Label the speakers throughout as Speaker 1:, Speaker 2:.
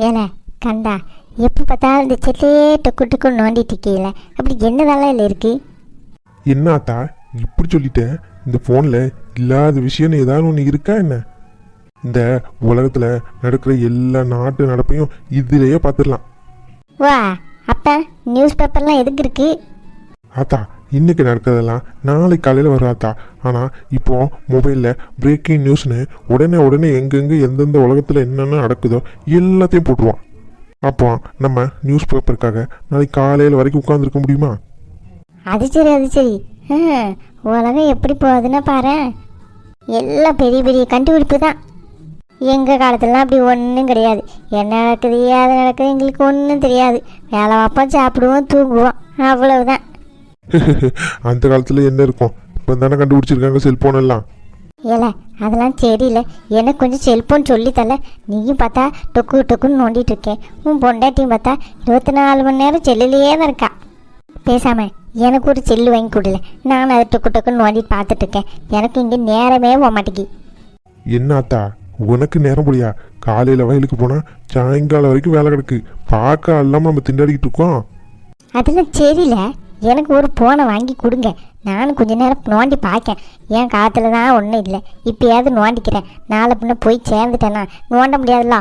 Speaker 1: ஏல கண்டா, எப்போ பார்த்தாலும் இந்த செல்லையே டொக்கு டொக்கு நோண்டிட்டு இருக்கீங்கள, அப்படி என்னதெல்லாம் இல்லை இருக்கு?
Speaker 2: என்னாத்தா இப்படி சொல்லிட்டேன்? இந்த ஃபோனில் இல்லாத விஷயம்னு ஏதாவது ஒன்று இருக்கா என்ன? இந்த உலகத்தில் நடக்கிற எல்லா நாட்டு நடப்பையும் இதிலேயே பார்த்துடலாம்.
Speaker 1: வா, அப்போ நியூஸ் பேப்பர்லாம் எதுக்கு இருக்கு?
Speaker 2: ஆத்தா, இன்னைக்கு நடக்கிறதெல்லாம் நாளைக்கு காலையில் வரும் ஆத்தா. ஆனால் இப்போ மொபைலில் பிரேக்கிங் நியூஸ்னு உடனே எங்கெங்கே எந்தெந்த உலகத்தில் என்னென்ன நடக்குதோ எல்லாத்தையும் போட்டுருவான். அப்போ நம்ம நியூஸ் பேப்பருக்காக நாளைக்கு காலையில் வரைக்கும் உட்காந்துருக்க முடியுமா?
Speaker 1: அது சரி. உலகம் எப்படி போகுதுன்னா பாரு, எல்லாம் பெரிய பெரிய கண்டுபிடிப்பு தான். எங்கள் காலத்துலலாம் அப்படி ஒன்றும் கிடையாது. என்ன நடக்குது ஏது நடக்குது எங்களுக்கு ஒன்றும் தெரியாது. வேலை வைப்போம், சாப்பிடுவோம், தூங்குவோம், அவ்வளவுதான்.
Speaker 2: அந்த காலத்தில் என்ன இருக்கும்? இப்போ தானே கண்டுபிடிச்சிருக்காங்க செல்ஃபோன் எல்லாம்.
Speaker 1: ஏல அதெல்லாம் தெரியல, எனக்கு கொஞ்சம் செல்ஃபோன் சொல்லித்தல. நீயும் பார்த்தா டொக்குன்னு நோண்டிட்டு இருக்கேன். உன் பொண்டாட்டியும் பார்த்தா 24 மணி நேரம் செல்லுலேயே தான் இருக்கா. பேசாம எனக்கு ஒரு செல்லு வாங்கி கொடுல, நான் அதை டொக்குன்னு நோண்டிட்டு பார்த்துட்டு இருக்கேன். எனக்கு இங்கே நேரமே போக மாட்டேங்கி.
Speaker 2: என்னாத்தா உனக்கு நேரம் முடியா? காலையில் வயலுக்கு போனால் சாயங்காலம் வரைக்கும் வேலை கிடக்கு. பார்க்க இல்லாமல் நம்ம திண்டாடிக்கிட்டு இருக்கோம்.
Speaker 1: அதெல்லாம் தெரியல, எனக்கு ஒரு ஃபோனை வாங்கி கொடுங்க. நானும் கொஞ்ச நேரம் நோண்டி பார்க்கேன். என் காலத்தில் தான் ஒன்றும் இல்லை, இப்போயாவது நோண்டிக்கிறேன். நாளை பின்ன போய் சேர்ந்துட்டேன்னா நோண்ட முடியாதுல்ல.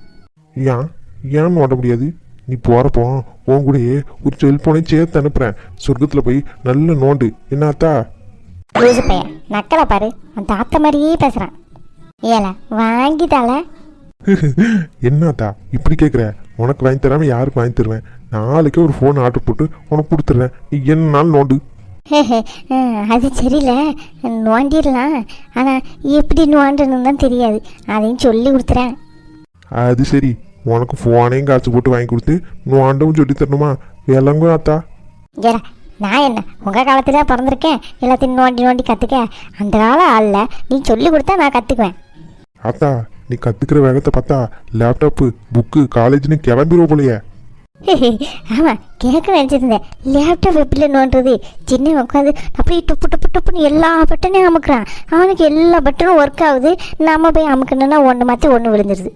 Speaker 2: ஏன் நோண்ட முடியாது? நீ போகிறப்போ உன் கூடயே ஒரு செல்ஃபோனையும் சேர்த்து அனுப்புகிறேன். சொர்க்கத்தில் போய் நல்ல நோண்டு. என்னாத்தா?
Speaker 1: லூசு பையன், நக்கலை பாரு, அந்த தாத்தா மாதிரியே பேசுகிறான். ஏல வாங்கிட்டால.
Speaker 2: என்னாத்தா இப்படி கேட்குற? உனக்கு வாங்கி தராமல் யாருக்கு வாங்கி தருவேன்? நாளைக்கே ஒரு ஃபோன் ஆர்டர் போட்டு உனக்கு கொடுத்துட்றேன். நீ என்ன நாள் நோண்டு.
Speaker 1: அது சரியில்ல, நோண்டிடலாம். ஆனால் எப்படி நோண்டணுன்னு தான் தெரியாது, அதையும் சொல்லி கொடுத்துறேன்.
Speaker 2: அது சரி, உனக்கு ஃபோனையும் காசு போட்டு வாங்கி கொடுத்து நோண்டவும் சொல்லி தரணுமா? விளங்கும் ஆத்தா.
Speaker 1: ஏடா, நான் என்ன உங்கள் காலத்தில் பிறந்திருக்கேன் எல்லாத்தையும் நோண்டி கற்றுக்க? அந்த காலம் ஆள்ல நீ சொல்லி கொடுத்தா நான் கற்றுக்குவேன்.
Speaker 2: ஆத்தா, நீ கற்றுக்கிற வேகத்தை பார்த்தா லேப்டாப்பு புக்கு காலேஜ்னு கிளம்பிடுவோம் போலையே.
Speaker 1: ஆமாம், கேட்க நினச்சிருந்தேன். லேப்டாப் எப்படி நோண்டுறது? சின்ன உட்காந்து அப்படியே டொப்புன்னு எல்லா பட்டனையும் அமுக்குறான். அவனுக்கு எல்லா பட்டனும் ஒர்க் ஆகுது. நம்ம போய் அமுக்கணுன்னா ஒன்று மாற்றி ஒன்று விழுந்துருது.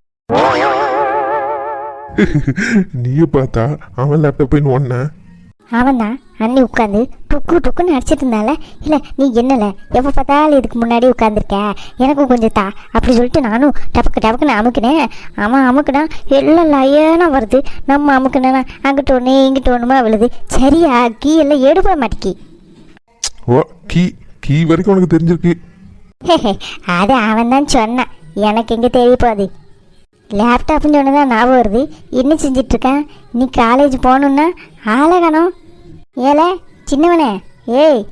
Speaker 2: நீயே பார்த்தா அவன் லேப்டாப் போய் ஒன்ன.
Speaker 1: அவன் தான் அன்னி உட்காந்து டொக்குன்னு அடிச்சிட்டு இருந்தால. இல்லை நீ என்னல எப்போ பார்த்தாலும் இதுக்கு முன்னாடி உட்காந்துருக்க, எனக்கும் கொஞ்சம் தா அப்படி சொல்லிட்டு நானும் டபக்குன்னு அமுக்கினேன். அவன் அமுக்குனா எல்லாம் லயனா வருது. நம்ம அமுக்குனா அங்கிட்ட ஒன்று இங்கிட்ட ஒன்றுமா விழுது. சரியா கீ எல்லாம் எடுப்பட மாட்டேக்கி.
Speaker 2: ஓ, கீ வரைக்கும் உனக்கு தெரிஞ்சிருக்கு.
Speaker 1: அது அவன் தான் சொன்னான், எனக்கு எங்கே தெரிய போகுது. லேப்டாப்னு சொன்னதான் ஞாபகம் வருது. என்ன செஞ்சிட்ருக்கேன்? நீ காலேஜ் போகணுன்னா ஆளை காணோம். ஏல சின்னவனே, ஏய்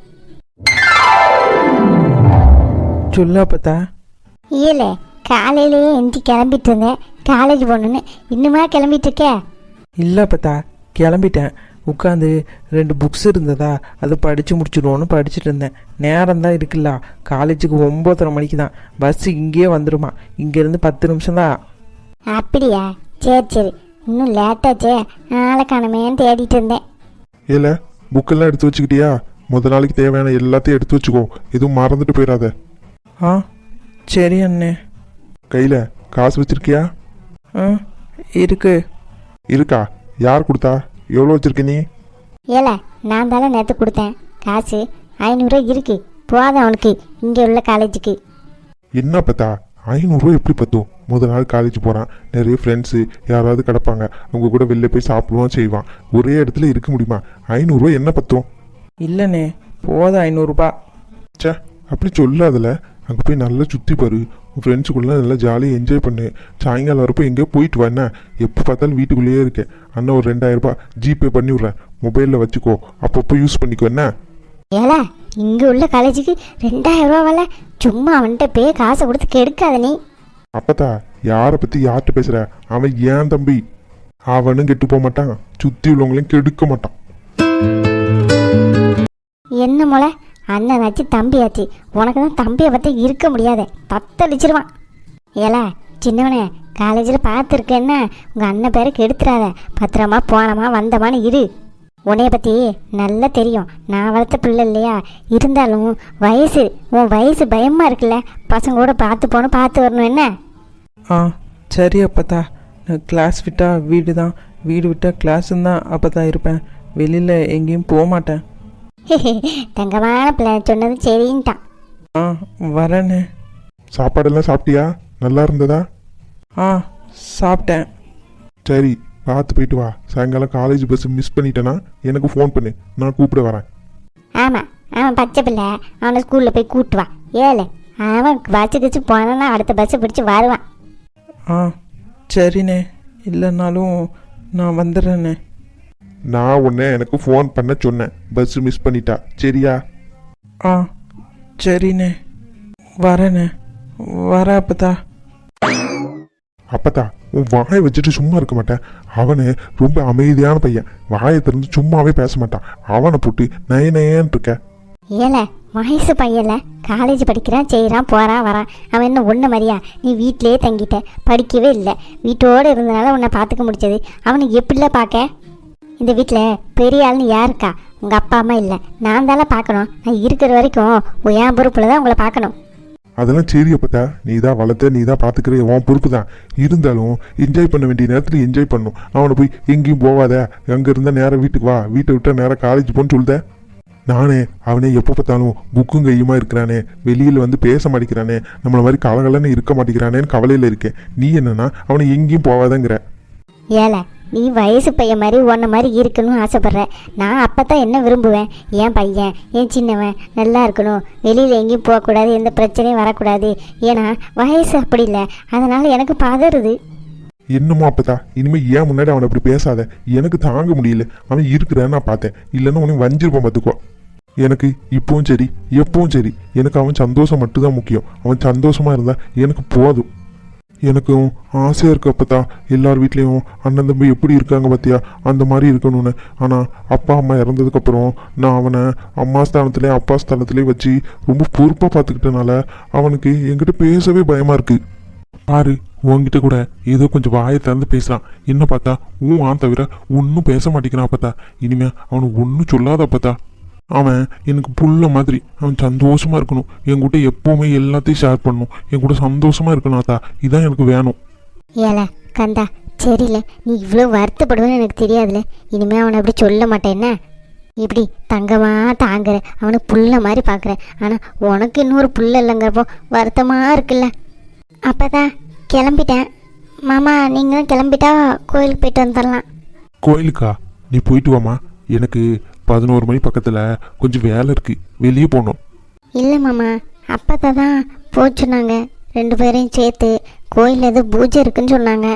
Speaker 3: சொல்லா பார்த்தா.
Speaker 1: ஏல காலையிலேயே எந்தி கிளம்பிட்டு இருந்தேன் காலேஜ் போகணுன்னு, இன்னுமா கிளம்பிட்டு இருக்கே?
Speaker 3: இல்லை பார்த்தா, கிளம்பிட்டேன். உட்காந்து 2 புக்ஸ் இருந்ததா, அதை படித்து முடிச்சிடுவோன்னு படிச்சுட்டு இருந்தேன். நேரம் தான் இருக்குல்ல, காலேஜுக்கு 9:30 மணிக்கு தான் பஸ்ஸு. இங்கேயே வந்துடுமா, இங்கேருந்து 10 நிமிஷம் தான்.
Speaker 1: அப்படியா? சரி, இன்னும் லேட்டாச்சே, ஆளை காணமேன்னு தேடிட்டு இருந்தேன்.
Speaker 2: ஏல, புக்கெல்லாம் எடுத்து வச்சுக்கிட்டியா? முதல் நாளைக்கு தேவையான எல்லாத்தையும் எடுத்து வச்சுக்கோ, எதுவும் மறந்துட்டு போயிடாத.
Speaker 3: ஆ சரி அண்ணே.
Speaker 2: கையில் காசு வச்சிருக்கியா?
Speaker 3: ஆ இருக்கு.
Speaker 2: இருக்கா? யார் கொடுத்தா? எவ்வளோ வச்சிருக்க நீ?
Speaker 1: ஏல நான் தானே நேற்று கொடுத்தேன் காசு. 500 இருக்கு, போதும் அவனுக்கு இங்கே உள்ள காலேஜுக்கு.
Speaker 2: என்ன பார்த்தா 500 எப்படி பத்தும்? முதல் நாள் காலேஜ் போகிறான், நிறைய ஃப்ரெண்ட்ஸு யாராவது கிடப்பாங்க, அவங்க கூட வெளில போய் சாப்பிடுவான் செய்வான். ஒரே இடத்துல இருக்க முடியுமா? 500 என்ன பத்தும்?
Speaker 3: இல்லைண்ணே, போதும் 500
Speaker 2: சே, அப்படி சொல்லாதில்ல. அங்கே போய் நல்லா சுற்றி பாரு, உன் ஃப்ரெண்ட்ஸுக்குள்ளே நல்லா ஜாலியாக என்ஜாய் பண்ணு. சாயங்காலம் வரப்போ எங்கேயோ போயிட்டு வா. என்ன எப்போ பார்த்தாலும் வீட்டுக்குள்ளேயே இருக்கேன். அண்ணா ஒரு 2000 ஜிபே பண்ணி விட்றேன், மொபைலில் வச்சுக்கோ, அப்பப்போ யூஸ் பண்ணிக்கோ. என்ன
Speaker 1: ஏல இங்கே உள்ள காலேஜுக்கு 2000 சும்மா அவன்கிட்ட போய் காசை கொடுத்து கெடுக்காத நீ.
Speaker 2: அப்பத்தா, யாரை பற்றி யார்கிட்ட பேசுகிற? அவன் ஏன் தம்பி, அவனும் கெட்டு போக மாட்டான், சுற்றி உள்ளவங்களையும் கெடுக்க மாட்டான்.
Speaker 1: என்ன மொளை, அண்ணனாச்சு தம்பியாச்சு, உனக்கு தான் தம்பியை பற்றி இருக்க முடியாத, தத்தளிச்சிருவான். ஏல சின்னவனே, காலேஜில் பார்த்துருக்கேன்னா உங்கள் அண்ணன் பேருக்கு எடுத்துடாத. பத்திரமா போனமா வந்தமான்னு இரு. உன்னைய பற்றி நல்லா தெரியும், நான் வளர்த்த பிள்ளை இல்லையா? இருந்தாலும் உன் வயசு பயமாக இருக்குல்ல, பசங்களோட பார்த்து போகணும், பார்த்து வரணும். என்ன
Speaker 3: ஆ சரி அப்பத்தா, நான் கிளாஸ் விட்டால் வீடு தான், வீடு விட்டால் கிளாஸுன்னு தான் அப்போ தான் இருப்பேன். வெளியில் எங்கேயும் போக மாட்டேன்.
Speaker 1: தங்கமான பிள்ளை சொன்னது சரின்ட்டான்.
Speaker 3: ஆ வரேண்ணே.
Speaker 2: சாப்பாடெல்லாம் சாப்பிட்டியா? நல்லா இருந்ததா?
Speaker 3: ஆ சாப்பிட்டேன்.
Speaker 2: சரி, பார்த்து போயிட்டு வா. சாயங்காலம் காலேஜ் பஸ் மிஸ் பண்ணிட்டேன்னா எனக்கு ஃபோன் பண்ணு, நான் கூப்பிட வரேன்.
Speaker 1: ஆமாம், அவன் பச்சை பிள்ளை, அவனை ஸ்கூலில் போய் கூட்டு வா. ஏழை அவன் பஸ்ஸு கிச்சு போனான்னா அடுத்த பஸ்ஸை பிடிச்சி வருவான்.
Speaker 3: ஆ சரிண்ணே, இல்லைன்னாலும் நான் வந்துடுறேண்ணே.
Speaker 2: நான் உன்னை எனக்கு ஃபோன் பண்ண சொன்னேன், பஸ் மிஸ் பண்ணிட்டா. சரியா?
Speaker 3: ஆ சரிண்ணே, வரேண்ணே. வர அப்பதா.
Speaker 2: அப்பத்தா, உன் வாயை வச்சுட்டு சும்மா இருக்க மாட்டேன். அவனு ரொம்ப அமைதியான பையன், வாயை திறந்து சும்மாவே பேச மாட்டான். அவனை போட்டு நயனேன்னு இருக்க.
Speaker 1: ஏழை வயசு பையன்ல, காலேஜ் படிக்கிறான், செய்கிறான், போகிறான் வரான். அவன் என்ன ஒன்று மாதிரியா? நீ வீட்டிலேயே தங்கிட்ட, படிக்கவே இல்லை. வீட்டோடு இருந்தனால உன்னை பார்த்துக்க முடிச்சது. அவனுக்கு எப்படில பார்க்க? இந்த வீட்டில் பெரிய ஆள்னு யாருக்கா? உங்கள் அப்பா அம்மா இல்லை, நான் தானே பார்க்கணும். நான் இருக்கிற வரைக்கும் என் பொறுப்பில் தான் உங்களை பார்க்கணும்.
Speaker 2: அதெல்லாம் சரி அப்பத்தா, நீ தான் வளர்த்த, நீ தான் பார்த்துக்கிற, உன் பொறுப்பு தான். இருந்தாலும் என்ஜாய் பண்ண வேண்டிய நேரத்தில் என்ஜாய் பண்ணும். அவனை போய் எங்கேயும் போவாத, அங்கே இருந்தால் நேராக வீட்டுக்கு வா, வீட்டை விட்டால் நேராக காலேஜ் போன்னு சொல்லுத. நானே அவனே எப்போ பார்த்தாலும் புக்கும் கையுமா இருக்கிறானே, வெளியில் வந்து பேச மாட்டேங்கிறானே, நம்மளை மாதிரி கலகலன்னு இருக்க மாட்டேங்கிறானேன்னு கவலையில் இருக்கேன். நீ என்னன்னா அவனை எங்கேயும் போவாதங்கிற.
Speaker 1: ஏழை நீ வயசு பையன் மாதிரி உன்ன மாதிரி இருக்கணும்னு ஆசைப்பட்ற. நான் அப்போ தான் என்ன விரும்புவேன்? என் பையன், என் சின்னவன் நல்லா இருக்கணும், வெளியில் எங்கேயும் போகக்கூடாது, எந்த பிரச்சனையும் வரக்கூடாது. ஏன்னா வயசு அப்படி இல்லை, அதனால் எனக்கு பதறுது.
Speaker 2: என்னமோ அப்பதா, இனிமேல் ஏன் முன்னாடி அவனை அப்படி பேசாத. எனக்கு தாங்க முடியல. அவன் இருக்கிறான்னு நான் பார்த்தேன், இல்லைன்னா உனக்கு வஞ்சிருப்பான் பார்த்துக்கோ. எனக்கு இப்பவும் சரி எப்பவும் சரி, எனக்கு அவன் சந்தோஷம் மட்டும்தான் முக்கியம். அவன் சந்தோஷமா இருந்தா எனக்கு போதும். எனக்கும் ஆசையாக இருக்கு அப்பத்தா, எல்லார் வீட்லேயும் அண்ணன் தம்பி எப்படி இருக்காங்க பார்த்தியா, அந்த மாதிரி இருக்கணும்னு. ஆனால் அப்பா அம்மா இறந்ததுக்கப்புறம் நான் அவனை அம்மா ஸ்தானத்துலேயே அப்பா ஸ்தானத்துலேயே வச்சு ரொம்ப பொறுப்பாக பார்த்துக்கிட்டனால அவனுக்கு என்கிட்ட பேசவே பயமாக இருக்குது. பாரு, உன்கிட்ட கூட ஏதோ கொஞ்சம் வாயை திறந்து பேசலாம், என்ன பார்த்தா ஆன் தவிர ஒன்றும் பேச மாட்டேங்கிறான் அப்பத்தா. இனிமே அவனுக்கு ஒன்றும் சொல்லாத அப்பத்தா. அவன் எனக்கு புள்ள மாதிரி, அவன் சந்தோஷமா இருக்கணும். என்கிட்ட எப்பவுமே எல்லாத்தையும் ஷேர் பண்ணணும், என் கூட சந்தோஷமா இருக்கணும் அத்தா. இதான் எனக்கு வேணும்.
Speaker 1: ஏல கந்தா, சரியில்ல, நீ இவ்வளோ வருத்தப்படுவேன்னு எனக்கு தெரியாதுல்ல. இனிமேல் அவனை அப்படி சொல்ல மாட்டேன்னா, இப்படி தங்கமா தாங்குற, அவனை புள்ள மாதிரி பார்க்குற. ஆனால் உனக்கு இன்னொரு புள்ள இல்லைங்கிறப்போ வருத்தமாக இருக்குல்ல. அப்போதான் கிளம்பிட்டேன். மாமா நீங்களும் கிளம்பிட்டா கோயிலுக்கு போயிட்டு வந்துடலாம்.
Speaker 2: கோயிலுக்கா? நீ போயிட்டு வாமா, எனக்கு 11 மணி பக்கத்தில் கொஞ்சம் வேலை இருக்கு, வெளியே போகணும்.
Speaker 1: இல்லை மாமா, அப்போ தான் போச்சுன்னாங்க, 2 பேரையும் சேர்த்து கோயிலில் ஏதோ பூஜை இருக்குன்னு சொன்னாங்க.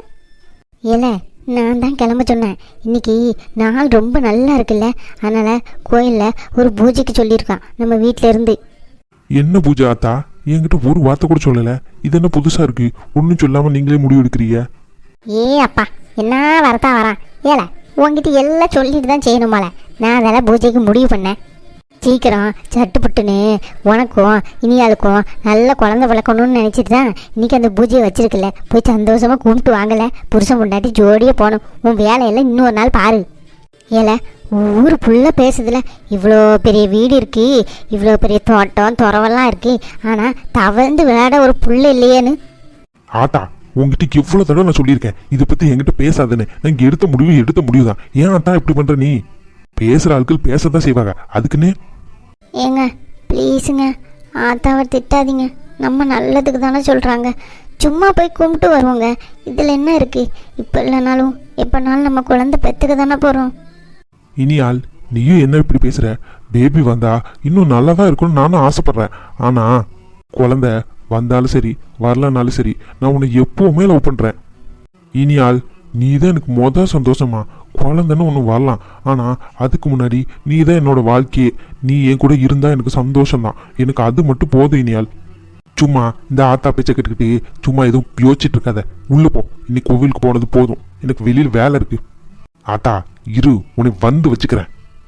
Speaker 1: ஏல நான் தான் கிளம்ப சொன்னேன். இன்னைக்கு நாள் ரொம்ப நல்லா இருக்குல்ல, அதனால் கோயிலில் ஒரு பூஜைக்கு சொல்லியிருக்கான் நம்ம வீட்டில் இருந்து.
Speaker 2: என்ன பூஜை ஆத்தா? என்கிட்ட ஒரு வார்த்தை கூட சொல்லலை. இது என்ன புதுசாக இருக்கு? ஒன்றும் சொல்லாமல் நீங்களே முடிவு எடுக்கிறீங்க.
Speaker 1: ஏ அப்பா, என்ன வரத்தா வரான்? ஏல உங்ககிட்ட எல்லாம் சொல்லிட்டு தான் செய்யணுமால. நான் அதெல்லாம் பூஜைக்கு முடிவு பண்ணேன். சீக்கிரம் சட்டுப்புட்டுன்னு உனக்கும் இனியாளுக்கும் நல்ல குழந்தை வளர்க்கணும்னு நினச்சிட்டு தான் இன்றைக்கி அந்த பூஜையை வச்சிருக்கல. போய் சந்தோஷமாக கும்பிட்டு வாங்கலை, புருஷன் முன்னாடி ஜோடியே போகணும். உன் வேலையெல்லாம் இன்னொரு நாள் பாரு. ஏல ஊர் ஃபுல்லாக பேசுதுல, இவ்வளோ பெரிய வீடு இருக்கு, இவ்வளோ பெரிய தோட்டம் துறவெல்லாம் இருக்கு, ஆனால் தவழ்ந்து விளையாட ஒரு புள்ள இல்லையேன்னு.
Speaker 2: ஆத்தா, உங்ககிட்ட எவ்வளோ தடவை நான் சொல்லியிருக்கேன் இதை பற்றி என்கிட்ட பேசாதுன்னு. நான் இங்கே எடுத்த முடிவு தான். ஏன் ஆத்தா இப்படி பண்ணுற? நீ பேசுகிற ஆட்கள் பேசத்தான் செய்வாங்க, அதுக்குன்னு.
Speaker 1: ஏங்க ப்ளீஸுங்க, ஆத்தாவை திட்டாதீங்க. நம்ம நல்லதுக்கு தானே சொல்கிறாங்க. சும்மா போய் கும்பிட்டு வருவோங்க. இதில் என்ன இருக்குது? இப்போ இல்லைனாலும் எப்போனாலும் நம்ம குழந்தை பெற்றுக்க தானே போகிறோம்.
Speaker 2: இனியால், நீயும் என்ன இப்படி பேசுகிற? பேபி வந்தா இன்னும் நல்லா தான் இருக்கும்னு நானும் ஆசைப்பட்றேன். ஆனால் குழந்தை வந்தாலும் சரி வரலனாலும் சரி, நான் உன்னை எப்போவுமே லவ் பண்ணுறேன். இனியால், நீ தான் எனக்கு சந்தோஷமா. குழந்தைன்னு ஒன்று வரலாம், ஆனால் அதுக்கு முன்னாடி நீ தான் என்னோட வாழ்க்கையே. நீ என் கூட இருந்தால் எனக்கு சந்தோஷம்தான். எனக்கு அது மட்டும் போதும் இனியால். சும்மா இந்த ஆத்தா பேச்சை கேட்டுக்கிட்டு சும்மா எதுவும் யோசிச்சுட்டு இருக்காத. உள்ளே போ, இன்னைக்கு கோவிலுக்கு போனது போதும். எனக்கு வெளியில் வேலை இருக்கு. ஆத்தா இரு, உன்னை வந்து வச்சுக்கிறேன்.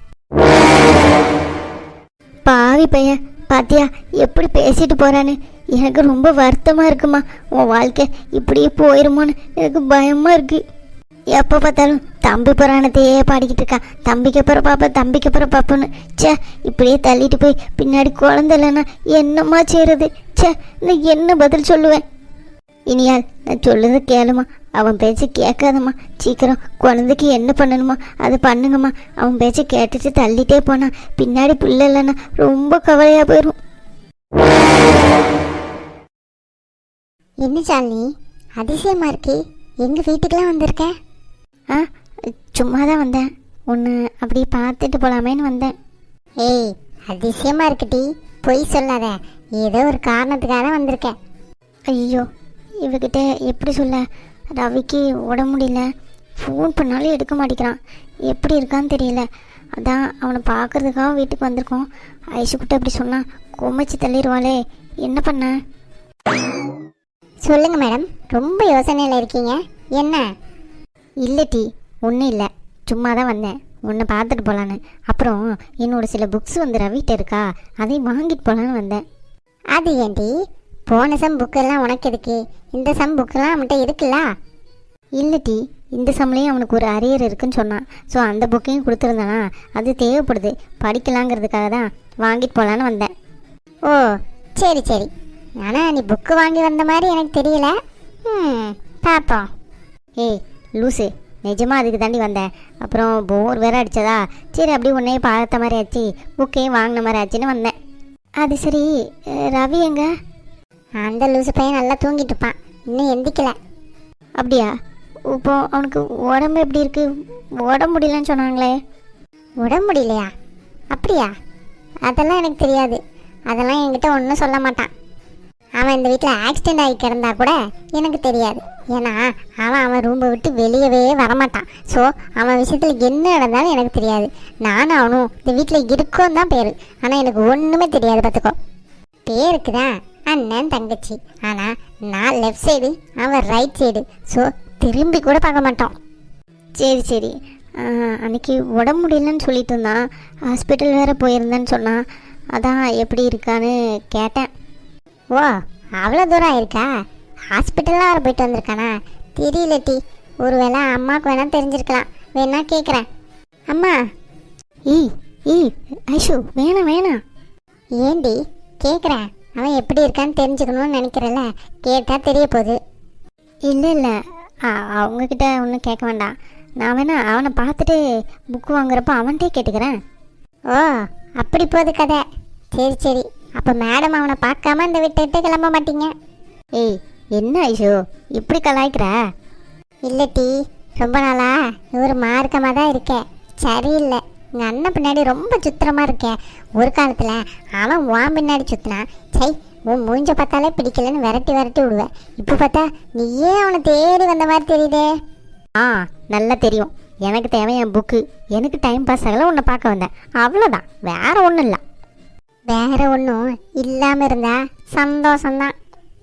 Speaker 1: பாவி பையன் பாத்தியா எப்படி பேசிட்டு போறான்னு. எனக்கு ரொம்ப வருத்தமாக இருக்குமா. உன் வாழ்க்கை இப்படியே போயிருமோன்னு எனக்கு பயமாக இருக்கு. எப்போ பார்த்தாலும் தம்பி புராணத்தையே பாடிக்கிட்டு இருக்கான். தம்பிக்கு அப்புறம் பாப்பா, தம்பிக்கு அப்புறம் பாப்போன்னு. சே, இப்படியே தள்ளிட்டு போய் பின்னாடி குழந்தை இல்லைன்னா என்னம்மா செய்கிறது? சே, நான் என்ன பதில் சொல்லுவேன்? இனியால் நான் சொல்லுறது கேளுமா. அவன் பேச்சு கேட்காதம்மா. சீக்கிரம் குழந்தைக்கு என்ன பண்ணணுமோ அது பண்ணுங்கம்மா. அவன் பேச்சை கேட்டுட்டு தள்ளிட்டே போனா பின்னாடி பிள்ளை இல்லைன்னா ரொம்ப கவலையாக போயிடும். என்ன சாலினி அதிசயமாக இருக்கே, எங்கள் வீட்டுக்கெல்லாம் வந்திருக்கேன். ஆ, சும்மா தான் வந்தேன். ஒன்று அப்படியே பார்த்துட்டு போகலாமேன்னு வந்தேன். ஏய், அதிசயமாக இருக்குடி, பொய் சொல்லாத. ஏதோ ஒரு காரணத்துக்காக தான் வந்திருக்கேன். ஐயோ, இவகிட்ட எப்படி சொல்ல? ரவிக்கு உடம்பு முடியல, ஃபோன் பண்ணாலும் எடுக்க மாட்டேங்கிறான். எப்படி இருக்கான்னு தெரியல. அதான் அவனை பார்க்கறதுக்காக வீட்டுக்கு வந்திருக்கோம். ஐஷுக்கிட்ட அப்படி சொன்னால் கொமைச்சு தள்ளிடுவாளே. என்ன பண்ண? சொல்லுங்கள் மேடம், ரொம்ப யோசனையில் இருக்கீங்க. என்ன? இல்லை டி, ஒன்றும் இல்லை, சும்மா தான் வந்தேன் உன்னை பார்த்துட்டு போகலான்னு. அப்புறம் என்னோட சில புக்ஸ் வந்து ரவிட்ட இருக்கா, அதையும் வாங்கிட்டு போகலான்னு வந்தேன். அது ஏன்டி? போன சம் புக்கெல்லாம் உனக்கு எதுக்கு? இந்த சம் புக்கெல்லாம் அவன்கிட்ட இருக்குல்ல? இல்லை டி, இந்த சம்லேயும் அவனுக்கு ஒரு அரியர் இருக்குன்னு சொன்னான். ஸோ அந்த புக்கையும் கொடுத்துருந்தானா, அது தேவைப்படுது படிக்கலாங்கிறதுக்காக தான் வாங்கிட்டு போகலான்னு வந்தேன். ஓ சரி சரி. ஆனால் நீ புக்கு வாங்கி வந்த மாதிரி எனக்கு தெரியல. பார்ப்போம். ஏய் லூசு, நிஜமாக அதுக்கு தாண்டி வந்தேன். அப்புறம் போர் வேற அடித்ததா, சரி அப்படியே உன்னையே பார்த்த மாதிரி ஆச்சு, புக்கையும் வாங்கின மாதிரி ஆச்சுன்னு வந்தேன். அது சரி, ரவி எங்க? அந்த லூசு பையன் நல்லா தூங்கிட்டு இருப்பான், இன்னும் எந்திக்கல. அப்படியா? இப்போ அவனுக்கு உடம்பு எப்படி இருக்கு? உடம்பு முடியலன்னு சொன்னாங்களே. உடம்பு முடியலையா? அப்படியா? அதெல்லாம் எனக்கு தெரியாது. அதெல்லாம் என்கிட்ட ஒன்றும் சொல்ல மாட்டான். அவன் இந்த வீட்டில் ஆக்சிடெண்ட் ஆகி கிடந்தா கூட எனக்கு தெரியாது. ஏன்னா அவன் ரூமை விட்டு வெளியவே வரமாட்டான். ஸோ அவன் விஷயத்தில் என்ன நடந்தாலும் எனக்கு தெரியாது. நானும் அவனும் இந்த வீட்டில் இருக்கோன்னு தான் பேர், ஆனால் எனக்கு ஒன்றுமே தெரியாது பார்த்துக்கோ. பேருக்கு தான் அண்ணன் தங்கச்சி, ஆனால் நான் லெஃப்ட் சைடு, அவன் ரைட் சைடு. ஸோ திரும்பி கூட பார்க்க மாட்டோம். சரி சரி. அன்றைக்கி உடம்பு முடியலன்னு சொல்லிட்டு இருந்தான், ஹாஸ்பிட்டல் வேறு போயிருந்தேன்னு சொன்னான். அதான் எப்படி இருக்கான்னு கேட்டேன். ஓ அவ்வளோ தூரம் ஆயிருக்கா? ஹாஸ்பிட்டல்லாம் வர போயிட்டு வந்திருக்கானா? தெரியல டி, ஒரு வேளை அம்மாவுக்கு வேணா தெரிஞ்சிருக்கலாம். வேணா கேட்குறேன். அம்மா. ஈ ஐஷு, வேணாம் வேணாம். ஏண்டி கேட்குறேன்? அவன் எப்படி இருக்கான்னு தெரிஞ்சுக்கணும்னு நினைக்கிறல்ல, கேட்டால் தெரிய போகுது. இல்லை இல்லை, அவங்கக்கிட்ட ஒன்றும் கேட்க வேண்டாம். நான் வேணா அவனை பார்த்துட்டு புக்கு வாங்குறப்ப அவன்கிட்டே கேட்டுக்கிறேன். ஓ அப்படி போகுது கதை. சரி சரி. அப்போ மேடம் அவனை பார்க்காம இந்த விட்டு கிளம்ப மாட்டீங்க? ஏய் என்ன ஐஷோ இப்படி கலாய்க்கிற? இல்லை டி, ரொம்ப நாளா ஒரு மார்க்கமாக தான் இருக்கேன். சரியில்லை, எங்கள் அண்ணன் பின்னாடி ரொம்ப சுத்திரமாக இருக்கேன். ஒரு காலத்தில் அவன் உன் பின்னாடி சுற்றினான். சை, உன் மூஞ்ச பார்த்தாலே பிடிக்கலன்னு விரட்டி விடுவேன். இப்போ பார்த்தா நீயே அவனை தேடி வந்த மாதிரி தெரியுதே. நல்லா தெரியும். எனக்கு தேவை என் புக்கு. எனக்கு டைம் பாஸ் ஆகல, உன்னை பார்க்க வந்தேன், அவ்வளோதான். வேற ஒன்றும் இல்லை. வேற ஒன்றும் இல்லாமல் இருந்தா சந்தோஷம்தான்.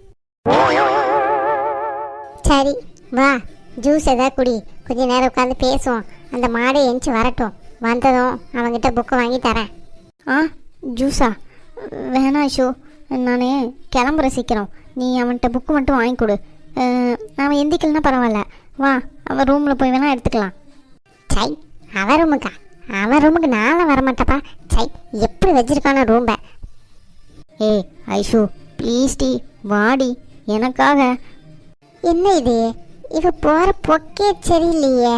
Speaker 1: சரி வா, ஜூஸ் எதாவது குடி, கொஞ்ச நேரம் உட்காந்து பேசுவோம். அந்த மாடை எந்திச்சு வரட்டும், வந்ததும் அவங்ககிட்ட புக்கு வாங்கி தரேன். ஜூஸா? வேணாம் ஷோ, நான் கிளம்புற சீக்கிரம். நீ அவன்கிட்ட புக்கு மட்டும் வாங்கி கொடு. அவன் எந்திக்கலன்னா பரவாயில்ல, வா அவன் ரூமில் போய் வேணால் எடுத்துக்கலாம். சை, அவன் ரூமுக்கா? அவன் ரூமுக்கு நானும் வரமாட்டப்பா. சை, எப்படி வச்சிருக்கான ரூம்பை. ஏய் ஐஷு ப்ளீஸ் டி, வாடி எனக்காக. என்ன இது, இவ போகிற பொக்கே சரியில்லையே.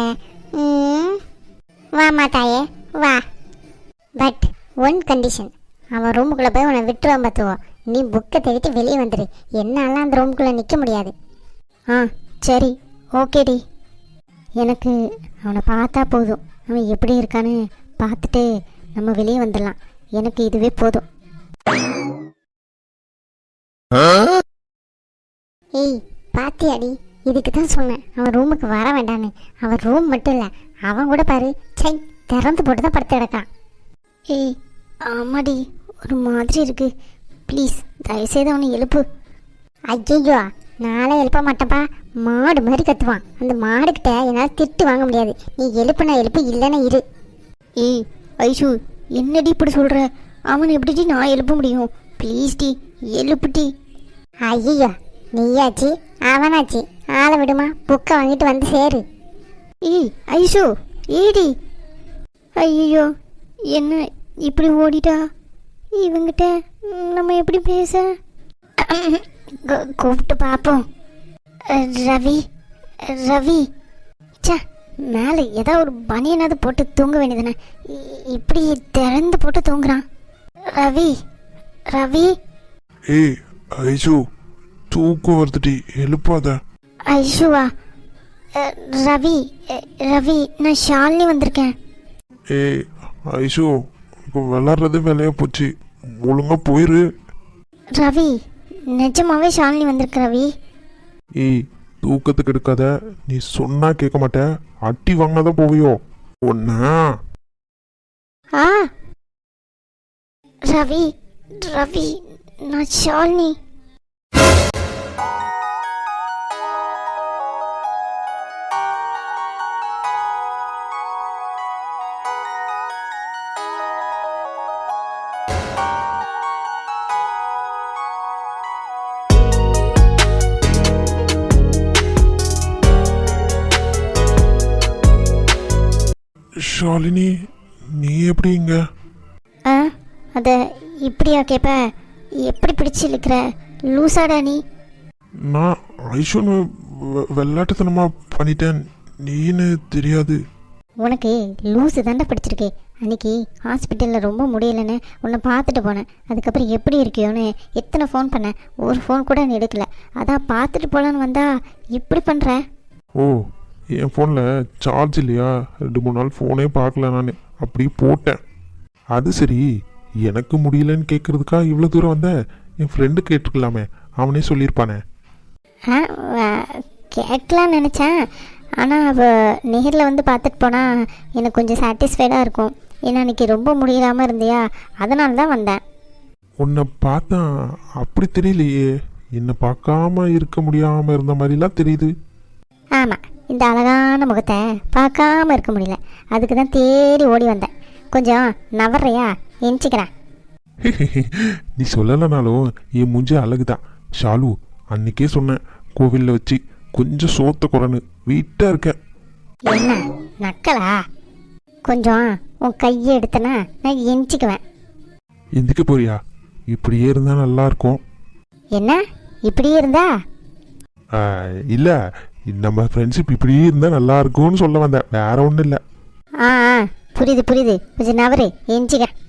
Speaker 1: வா மாட்டாயே வா. பட் ஒன் கண்டிஷன், அவன் ரூமுக்குள்ளே போய் உன்னை விட்டுருவான் பார்த்துவோம். நீ புக்கை தேடிட்டு வெளியே வந்துடு. என்னாலாம் அந்த ரூமுக்குள்ளே நிற்க முடியாது. சரி ஓகேடி. எனக்கு அவனை பார்த்தா போதும், அவன் எப்படி இருக்கான்னு பார்த்துட்டு நம்ம வெளியே வந்துடலாம். எனக்கு இதுவே போதும். ஏய் பாத்தியாடி, இதுக்கு தான் சொன்னேன் அவன் ரூமுக்கு வர வேண்டான்னு. அவன் ரூம் மட்டும் இல்லை, அவன் கூட பாரு, சை திறந்து போட்டு தான் படுத்து கிடக்கான். ஏய் ஆமாடி, ஒரு மாதிரி இருக்கு. ப்ளீஸ் தயவுசெய்து அவனை எழுப்பு. ஐயோ நாளே எழுப்ப மாட்டேன்ப்பா. மாடு மாதிரி கத்துவான். அந்த மாடுக்கிட்ட என்னால் திட்டு வாங்க முடியாது. நீ எழுப்புனா எழுப்பு, இல்லைன்னா இரு. ஏய் ஐஷு என்னடி இப்படி சொல்கிற? அவனை எப்படி நான் எழுப்ப முடியும்? ப்ளீஸ் டி எழுப்புட்டி. ஐயோ நீயாச்சு அவனாச்சு, ஆளை விடுமா, புக்கை வாங்கிட்டு வந்து சேரு. ஏய் ஐஷு ஏடி. ஐயோ என்ன இப்படி ஓடிட்டா? இவங்கிட்ட நம்ம எப்படி பேச? கூப்பிட்டு பார்ப்போம். ரவி ரவி, ச்சே, மேலே ஏதோ ஒரு பனியனாவது போட்டு தூங்க வேண்டியதுனே, இப்படி திறந்து போட்டு தூங்குறான். ரவி, ரவி.
Speaker 2: ஏய் ஐஷு, தூக்கம் வருதுடி, எழுப்பாத.
Speaker 1: ஐஷுவா? ரவி, ரவி, நான் ஷாலினி வந்திருக்கேன்.
Speaker 2: ஏய் ஐஷு, இப்போ விளாட்றது வேலையா போச்சு, ஒழுங்கா போயிரு.
Speaker 1: ரவி, நிஜமாவே ஷாலினி வந்திருக்கு ரவி.
Speaker 2: ஏய் தூக்கத்துக்கு எடுக்காத, நீ சொன்னா கேட்க மாட்ட, அட்டி வாங்காதான் போவியோ ஒன்னா.
Speaker 1: ஆ ரவி, ரவி, நான் ஷாலினி.
Speaker 2: ஷாலினி, நீ எப்படி இங்க?
Speaker 1: ஆ அதை இப்படியா கேட்ப? எப்படி பிடிச்சி இழுக்கிற? லூசாடா நீ?
Speaker 2: நான் ஐஷுன்னு வெள்ளாட்டுத்தனமா பண்ணிட்டேன், நீன்னு தெரியாது.
Speaker 1: உனக்கு லூஸு தாண்டா பிடிச்சிருக்கு. அன்னைக்கு ஹாஸ்பிட்டலில் ரொம்ப முடியலைன்னு உன்னை பார்த்துட்டு போனேன். அதுக்கப்புறம் எப்படி இருக்கியோன்னு எத்தனை ஃபோன் பண்ணேன், ஒரு ஃபோன் கூட நீ எடுக்கல. அதான் பார்த்துட்டு போகலான்னு வந்தா இப்படி பண்ணுற.
Speaker 2: ஓ, என் ஃபோனில் சார்ஜ் இல்லையா, 2-3 நாள் ஃபோனே பார்க்கல, நான் அப்படி போட்டேன். அது சரி, எனக்கு முடியலன்னு கேட்குறதுக்கா இவ்வளோ தூரம் வந்த? என் ஃப்ரெண்டு கேட்டுருக்கலாமே, அவனே சொல்லியிருப்பானே.
Speaker 1: கேட்கலான்னு நினச்சேன். ஆனால் அவள் நேரில் வந்து பார்த்துட்டு போனால் எனக்கு கொஞ்சம் சாட்டிஸ்ஃபைடாக இருக்கும். ஏன்னா அன்றைக்கி ரொம்ப முடியலாமல் இருந்தியா, அதனால தான் வந்தேன்.
Speaker 2: உன்னை பார்த்தா அப்படி தெரியலையே, என்னை பார்க்காம இருக்க முடியாமல் இருந்த மாதிரிலாம் தெரியுது.
Speaker 1: ஆமாம், இந்த அழகான முகத்தை பார்க்காம இருக்க முடியல, அதுக்கு தான் தேடி ஓடி வந்தேன். கொஞ்சம் நவர்றையா? எஞ்சிக்கிறேன்.
Speaker 2: நீ சொல்லலைனாலும் என் மூஞ்சி அழகுதான் ஷாலு. அன்னைக்கே சொன்னேன், கோவிலில் வச்சு கொஞ்சம் சோத்த குறைன்னு வீட்டாக இருக்க.
Speaker 1: என்ன நக்கலா? கொஞ்சம் உன் கையை எடுத்தனா நான் எஞ்சிக்குவேன்.
Speaker 2: எந்திக்க போறியா? இப்படியே இருந்தால் நல்லா இருக்கும்.
Speaker 1: என்ன இப்படியே இருந்தா?
Speaker 2: இல்லை, நம்ம ஃப்ரெண்ட்ஷிப் இப்படியே இருந்தால் நல்லா இருக்கும்னு சொல்ல வந்தேன், வேற ஒன்றும் இல்லை.
Speaker 1: ஆ புரியுது புரியுது. கொஞ்சம் நவரு, எஞ்சிக்கிறேன்.